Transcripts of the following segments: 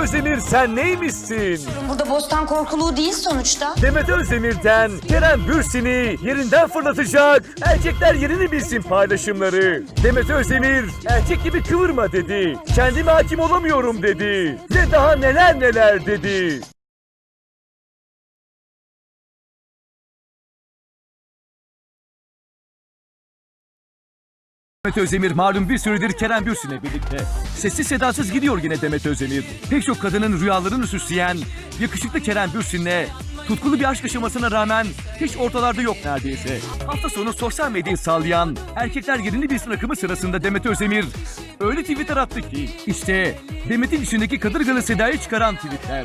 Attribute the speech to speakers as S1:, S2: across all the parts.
S1: Özdemir sen neymişsin?
S2: Burada bostan korkuluğu değil sonuçta.
S1: Demet Özdemir'den Kerem Bürsin'i yerinden fırlatacak. Erkekler yerini bilsin paylaşımları. Demet Özdemir erkek gibi kıvırma dedi. Kendime hakim olamıyorum dedi. Ve daha neler neler dedi. Demet Özdemir malum bir süredir Kerem Bürsin'le birlikte. Sessiz sedasız gidiyor yine Demet Özdemir. Pek çok kadının rüyalarını süsleyen yakışıklı Kerem Bürsin'le tutkulu bir aşk yaşamasına rağmen hiç ortalarda yok neredeyse. Hafta sonu sosyal medyayı sallayan erkekler yerini bilsin akımı sırasında Demet Özdemir öyle tweetler attı ki işte Demet'in içindeki kadırgalı sedayı çıkaran tweetler.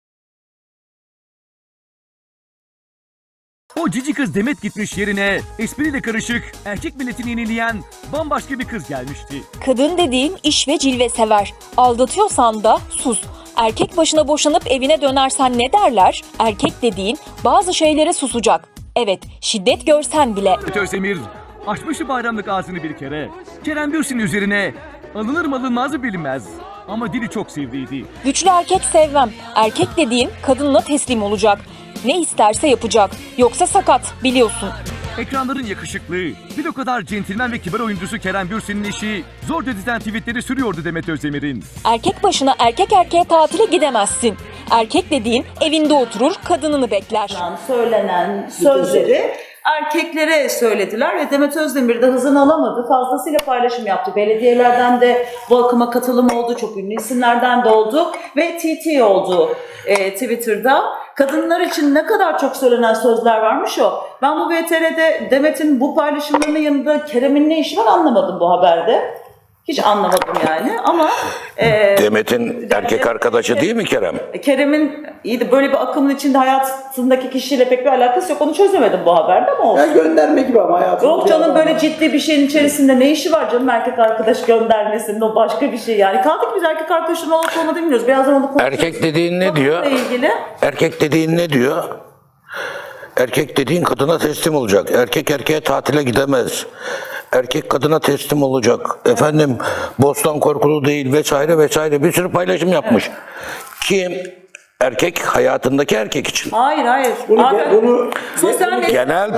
S1: O cici kız Demet gitmiş yerine espriyle karışık erkek milletini yenileyen bambaşka bir kız gelmişti.
S3: Kadın dediğin iş ve cilve sever. Aldatıyorsan da sus. Erkek başına boşanıp evine dönersen ne derler? Erkek dediğin bazı şeylere susacak. Evet, şiddet görsen bile.
S1: Demet Özdemir açmıştı bayramlık ağzını bir kere. Kerem Bürsin üzerine alınır mı alınmaz mı bilinmez. Ama dili çok sivriydi.
S3: Güçlü erkek sevmem. Erkek dediğin kadınla teslim olacak. Ne isterse yapacak. Yoksa sakat, biliyorsun.
S1: Ekranların yakışıklı, bir o kadar centilmen ve kibar oyuncusu Kerem Bürsin'in eşi zor dizilen tweetleri sürüyordu Demet Özdemir'in.
S3: Erkek başına erkek erkeğe tatile gidemezsin. Erkek dediğin evinde oturur, kadınını bekler.
S4: Söylenen sözleri erkeklere söylediler ve Demet Özdemir de hızını alamadı. Fazlasıyla paylaşım yaptı. Belediyelerden de bu akıma katılım oldu. Çok ünlü isimlerden de oldu. Ve TT oldu Twitter'da. Kadınlar için ne kadar çok söylenen sözler varmış o. Ben bu VTR'de Demet'in bu paylaşımlarının yanında Kerem'in ne işi var anlamadım bu haberde. Hiç anlamadım yani ama...
S5: Demet'in erkek arkadaşı değil mi Kerem?
S4: Kerem'in iyi de böyle bir akımın içinde hayatındaki kişiyle pek bir alakası yok. Onu çözemedim bu haberde ama olsun.
S6: Ya gönderme gibi ama hayatım.
S4: Yok canım böyle ciddi bir şeyin içerisinde ne işi var canım erkek arkadaş göndermesinin o başka bir şey yani. Kaldık biz erkek arkadaşın olup olmadığını bilmiyoruz. Birazdan onu konuşuruz.
S5: Erkek dediğin ne diyor?
S4: İlgili.
S5: Erkek dediğin ne diyor? Erkek dediğin kadına teslim olacak. Erkek erkeğe tatile gidemez. Erkek kadına teslim olacak. Efendim bostan korkulu değil vesaire vesaire bir sürü paylaşım yapmış. Kim? Erkek hayatındaki erkek için.
S4: Hayır.
S6: Bunu
S4: Sosyal medya...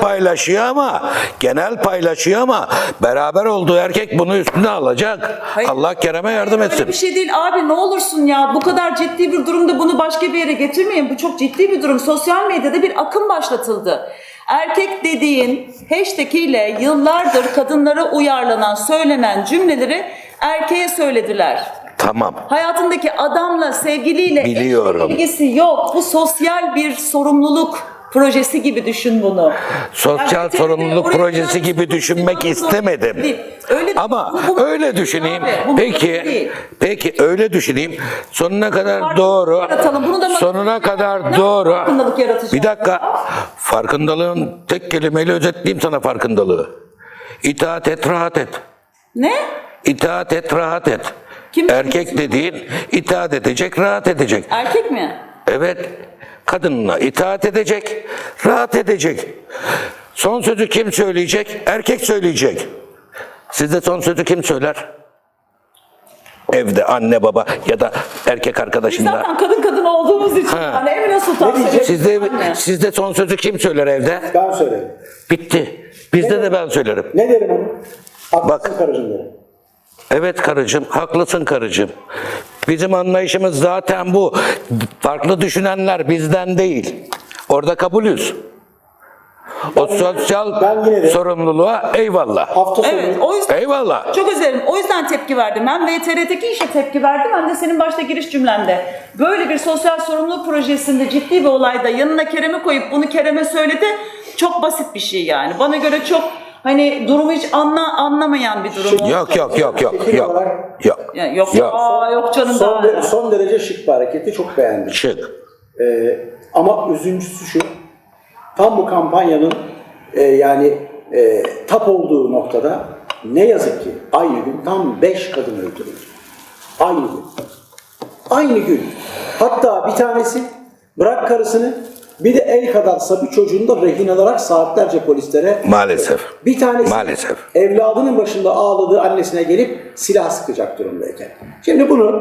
S5: Genel paylaşıyor ama beraber olduğu erkek bunu üstüne alacak.
S4: Hayır.
S5: Allah Kerem'e yardım etsin.
S4: Öyle bir şey değil abi ne olursun ya bu kadar ciddi bir durumda bunu başka bir yere getirmeyin. Bu çok ciddi bir durum. Sosyal medyada bir akım başlatıldı. Erkek dediğin hashtag ile yıllardır kadınlara uyarlanan, söylenen cümleleri erkeğe söylediler.
S5: Tamam.
S4: Hayatındaki adamla, sevgiliyle
S5: Biliyorum.
S4: ilgisi yok. Bu sosyal bir sorumluluk projesi gibi düşün bunu.
S5: Sosyal
S4: Yani
S5: sorumluluk
S4: oraya
S5: projesi
S4: gelmiş,
S5: gibi düşünmek istemedim.
S4: Değil. Öyle
S5: Ama
S4: bu
S5: öyle düşüneyim.
S4: abi, bu değil.
S5: Peki öyle düşüneyim. Sonuna kadar
S4: Farkındalık
S5: doğru.
S4: yaratalım. Bunu da
S5: Sonuna kadar
S4: ne
S5: doğru.
S4: farkındalık yaratacağız?
S5: Bir dakika. Farkındalığın tek kelimeyle özetleyeyim sana farkındalığı. İtaat et, rahat et.
S4: Ne?
S5: İtaat et, rahat et.
S4: Kim-
S5: Erkek dediğin itaat edecek, rahat edecek.
S4: Erkek mi?
S5: Evet, kadınına itaat edecek, rahat edecek. Son sözü kim söyleyecek? Erkek söyleyecek. Sizde son sözü kim söyler? Evde anne baba ya da erkek
S4: Biz
S5: arkadaşında.
S4: zaten kadın olduğumuz için hani Emine Sultan söyledi.
S5: Sizde son sözü kim söyler evde?
S6: ben söylerim.
S5: Bitti. Bizde de ben söylerim.
S6: Ne derim onu? Haklısın
S5: Bak.
S6: karıcığım derim.
S5: Evet karıcığım, haklısın karıcığım. Bizim anlayışımız zaten bu. Farklı düşünenler bizden değil. Orada kabulüz. O sosyal
S6: ben yine de-
S5: sorumluluğa eyvallah.
S6: Hafta sonu
S4: Evet, o yüzden
S5: Eyvallah.
S4: çok özür dilerim. O yüzden tepki verdim. Hem VTR'deki işe tepki verdim hem de senin başta giriş cümlende. Böyle bir sosyal sorumluluk projesinde ciddi bir olayda yanına Kerem'i koyup bunu Kerem'e söyledi. Çok basit bir şey yani. Bana göre çok hani durumu hiç anlamayan bir durum.
S5: Yok.
S4: Yani yok. Yok canım daha.
S6: son derece şık bir hareketi çok beğendim.
S5: Şık.
S6: Ama üzüncüsü şu, tam bu kampanyanın tap olduğu noktada ne yazık ki aynı gün tam 5 kadın öldürüldü. Aynı gün. Aynı gün. Hatta bir tanesi bırak karısını bir de el kadar sabi çocuğunu da rehin alarak saatlerce polislere...
S5: Maalesef.
S6: Bir tanesi
S5: Maalesef.
S6: evladının başında ağladığı annesine gelip silah sıkacak durumdayken. Şimdi bunu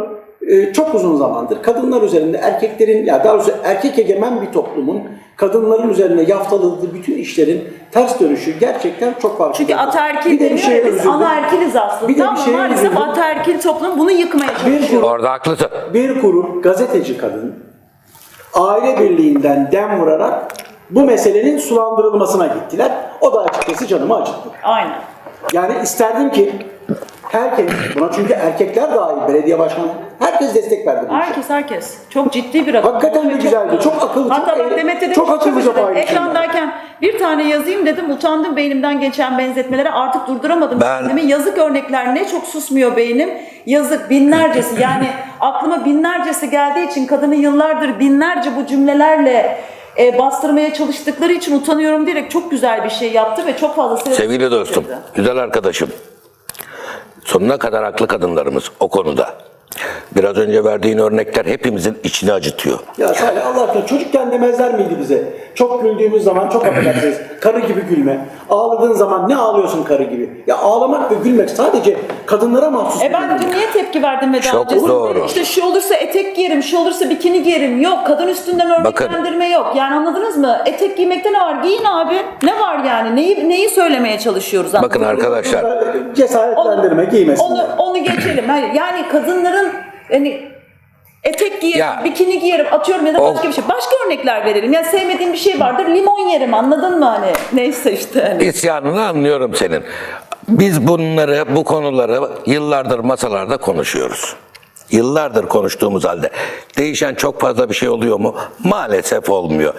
S6: çok uzun zamandır kadınlar üzerinde erkeklerin, ya daha doğrusu erkek egemen bir toplumun kadınların üzerine yaftaladığı bütün işlerin ters dönüşü gerçekten çok farklı.
S4: Çünkü ataerkil
S6: Bir de bir
S4: deniyor
S6: şeye
S4: ya, biz
S6: üzüldüm.
S4: anaerkiliz aslında
S6: Bir de bir
S4: ama
S6: şeye
S4: maalesef
S6: üzüldüm.
S4: ataerkil toplum bunu yıkmaya çalışıyor.
S5: Orada haklısın.
S6: Bir grup gazeteci kadın aile birliğinden dem vurarak bu meselenin sulandırılmasına gittiler. O da açıkçası canımı acıttı.
S4: Aynen.
S6: Yani isterdim ki herkes, buna çünkü erkekler dahil belediye başkanı, herkes destek verdi bu işe.
S4: Herkes. Çok ciddi bir rakam.
S6: Hakikaten de
S4: Çok
S6: güzeldi.
S4: doğru.
S6: Çok akıllı,
S4: Hatta
S6: çok
S4: bak Demet dedim,
S6: çok akıllıca
S4: özür dilerim.
S6: paylaşımlar.
S4: Ekrandayken bir tane yazayım dedim. Utandım beynimden geçen benzetmelere. Artık durduramadım.
S5: Ben-
S4: kendimi. Yazık örnekler ne çok susmuyor beynim. Yazık binlercesi. Yani aklıma binlercesi geldiği için kadını yıllardır binlerce bu cümlelerle bastırmaya çalıştıkları için utanıyorum diyerek çok güzel bir şey yaptı ve çok fazla
S5: Sevgili dostum, güzel arkadaşım. Sonuna kadar haklı kadınlarımız o konuda. Biraz önce verdiğin örnekler hepimizin içini acıtıyor.
S6: Ya Salih Allah aşkına çocukken demezler miydi bize? Çok güldüğümüz zaman çok affedersiniz. Karı gibi gülme. Ağladığın zaman ne ağlıyorsun karı gibi? Ya ağlamak ve gülmek sadece kadınlara mahsus. bir
S4: Ben
S6: durum.
S4: dün niye tepki verdim ve daha
S5: Çok
S4: önce?
S5: doğru.
S4: İşte şu olursa etek giyerim, şu olursa bikini giyerim. Yok, kadın üstünden
S5: Bakın.
S4: örneklendirme yok. Yani anladınız mı? Etek giymekte ne var? Giyin abi. Ne var yani? Neyi söylemeye çalışıyoruz?
S5: Bakın arkadaşlar,
S6: Cesaretlendirme, giymesinler.
S4: Onu geçelim. Hayır, yani kadınların hani etek giyerim,
S5: Ya,
S4: bikini giyerim atıyorum ya da başka bir şey. Başka örnekler verelim. Yani sevmediğim bir şey vardır. Limon yerim anladın mı hani? Neyse işte hani.
S5: isyanını anlıyorum senin. Biz bunları, bu konuları yıllardır masalarda konuşuyoruz. Yıllardır konuştuğumuz halde değişen çok fazla bir şey oluyor mu? Maalesef olmuyor.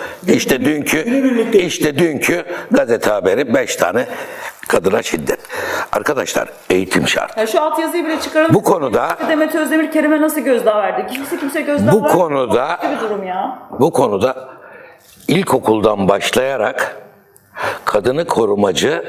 S5: İşte dünkü gazete haberi 5 tane kadına şiddet. Arkadaşlar eğitim şart.
S4: Ya şu alt yazıyı bile çıkaralım.
S5: Bu konuda
S4: Demet Özdemir Kerim'e nasıl gözdağı verdi? Kimse gözdağı
S5: Bu
S4: vermedi.
S5: konuda-
S4: Başka bir durum ya.
S5: bu konuda ilkokuldan başlayarak kadını korumacı,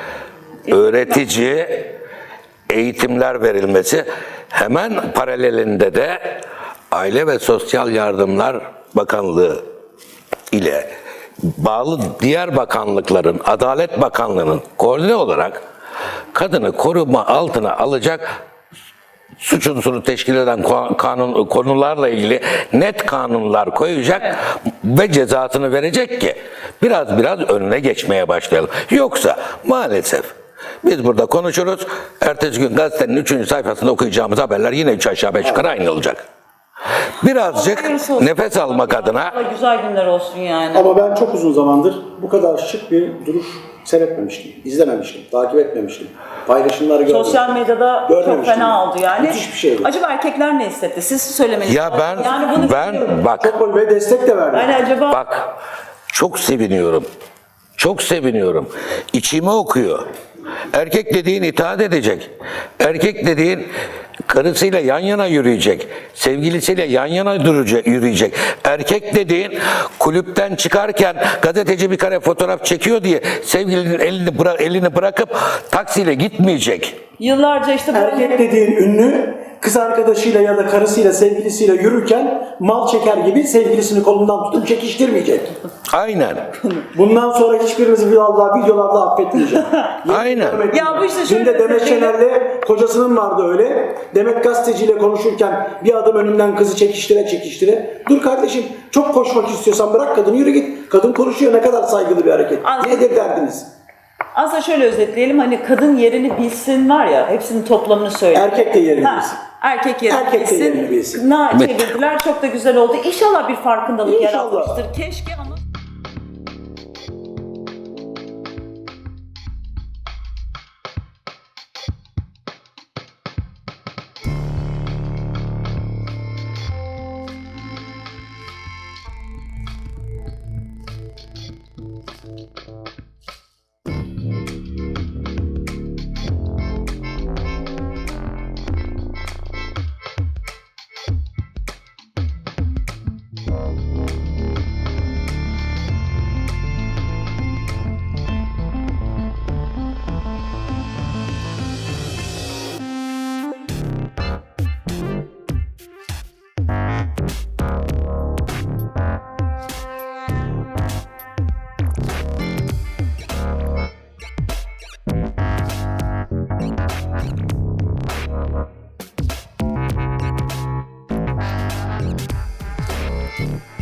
S5: öğretici eğitimler verilmesi, hemen paralelinde de Aile ve Sosyal Yardımlar Bakanlığı ile bağlı diğer bakanlıkların, Adalet Bakanlığı'nın koordine olarak kadını koruma altına alacak suç unsuru teşkil eden konularla ilgili net kanunlar koyacak ve cezasını verecek ki biraz önüne geçmeye başlayalım. Yoksa maalesef biz burada konuşuruz, ertesi gün gazetenin 3. sayfasında okuyacağımız haberler yine 3 aşağı 5 yukarı aynı olacak. Birazcık nefes almak adına
S4: Allah güzel günler olsun yani.
S6: Ama ben çok uzun zamandır bu kadar şık bir duruş seyretmemiştim, izlememiştim, takip etmemiştim. Paylaşımları görmemiştim.
S4: Sosyal medyada çok
S6: Görmemiştim.
S4: fena oldu yani.
S6: Müthiş bir şeydi.
S4: Acaba erkekler ne hissetti? Siz söylemeniz
S5: ya
S4: lazım.
S5: ben
S4: yani bunu bilmiyorum.
S5: bak
S6: Çok ve destek de verdi.
S4: Yani acaba
S5: Bak, çok seviniyorum. Çok seviniyorum. İçime okuyor. Erkek dediğin itaat edecek. Erkek dediğin karısıyla yan yana yürüyecek. Sevgilisiyle yan yana yürüyecek. Erkek dediğin kulüpten çıkarken gazeteci bir kare fotoğraf çekiyor diye sevgilinin elini bırakıp taksiyle gitmeyecek.
S4: yıllarca işte
S6: Erkek dediğin ünlü kız arkadaşıyla ya da karısıyla, sevgilisiyle yürürken mal çeker gibi sevgilisini kolundan tutup çekiştirmeyecek.
S5: Aynen.
S6: Bundan sonra hiçbirinizi videolarda affetmeyeceğim.
S5: Aynen.
S4: Ya bu işte şöyle
S6: Dün de Demet
S4: söyleyeyim.
S6: Şener'le kocasının vardı öyle. Demet gazeteciyle konuşurken bir adım önünden kızı çekiştire. Dur kardeşim çok koşmak istiyorsan bırak kadını yürü git. Kadın konuşuyor ne kadar saygılı bir hareket. Nedir derdiniz?
S4: Aslında şöyle özetleyelim hani kadın yerini bilsin var ya hepsinin toplamını söyle.
S6: Erkek de yerini bilsin.
S4: Erkek yerini
S6: Erkek de
S4: bilsin.
S6: yerini bilsin.
S4: Çevirdiler çok da güzel oldu. İnşallah bir farkındalık
S6: İnşallah.
S4: yaratmıştır. Keşke ama
S5: Alo.